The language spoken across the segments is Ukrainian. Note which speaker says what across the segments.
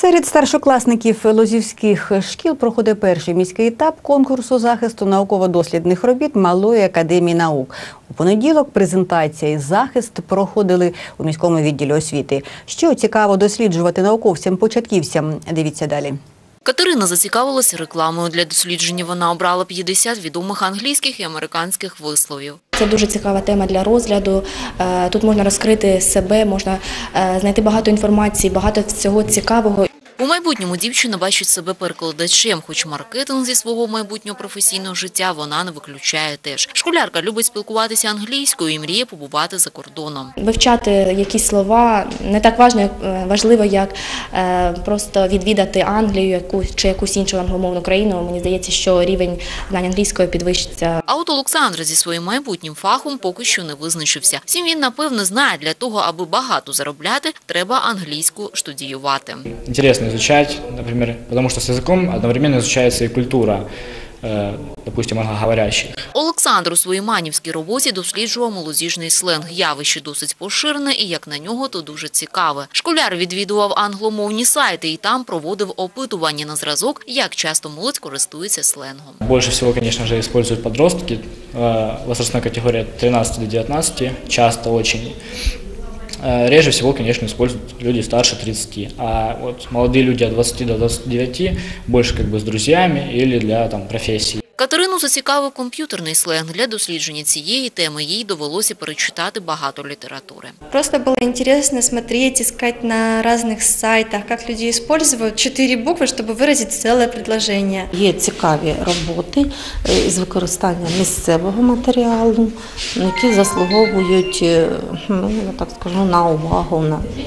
Speaker 1: Серед старшокласників лозівських шкіл проходить перший міський етап конкурсу захисту науково-дослідних робіт Малої академії наук. У понеділок презентація і захист проходили у міському відділі освіти. Що цікаво досліджувати науковцям-початківцям? Дивіться далі.
Speaker 2: Катерина зацікавилася рекламою. Для дослідження вона обрала 50 відомих англійських і американських висловів.
Speaker 3: Це дуже цікава тема для розгляду. Тут можна розкрити себе, можна знайти багато інформації, багато всього цікавого.
Speaker 2: У майбутньому дівчина бачить себе перекладачем, хоч маркетинг зі свого майбутнього професійного життя вона не виключає теж. Школярка любить спілкуватися англійською і мріє побувати за кордоном.
Speaker 3: Вивчати якісь слова не так важливо, як просто відвідати Англію чи якусь іншу англомовну країну. Мені здається, що рівень знань англійської підвищиться.
Speaker 2: А от Олександр зі своїм майбутнім фахом поки що не визначився. Втім, він, напевно, знає, для того, аби багато заробляти, треба англійську студіювати.
Speaker 4: Интересно изучать, например, потому что с языком одновременно изучается и культура, допустим, англоговорящих.
Speaker 2: Олександр у своїй манівській роботі досліджував молодіжний сленг. Явище досить поширене і, як на нього, то дуже цікаве. Школяр відвідував англомовні сайти і там проводив опитування на зразок, як часто молодь користується сленгом.
Speaker 4: Больше всего, конечно же, используют подростки, возрастная категория 13 до 19, часто очень. Реже всего, конечно, используют люди старше 30, а вот молодые люди от 20 до 29 больше как бы с друзьями или для профессии.
Speaker 2: Катерину зацікавив комп'ютерний сленг. Для дослідження цієї теми їй довелося перечитати багато літератури.
Speaker 5: Просто было интересно смотреть, искать на разных сайтах, как люди используют 4 буквы, чтобы выразить целое предложение.
Speaker 6: Є цікаві роботи із використання місцевого матеріалу, які заслуговують, я так скажу, на увагу.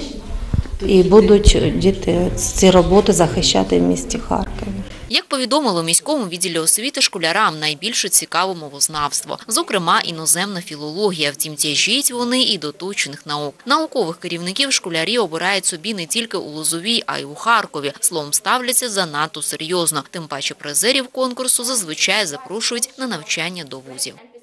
Speaker 6: І будуть діти ці роботи захищати в місті Харкові.
Speaker 2: Як повідомили у міському відділі освіти, школярам найбільше цікаво мовознавство, зокрема іноземна філологія. Втім, тяжіть вони і до точних наук. Наукових керівників школярі обирають собі не тільки у Лозовій, а й у Харкові. Словом, ставляться занадто серйозно. Тим паче призерів конкурсу зазвичай запрошують на навчання до вузів.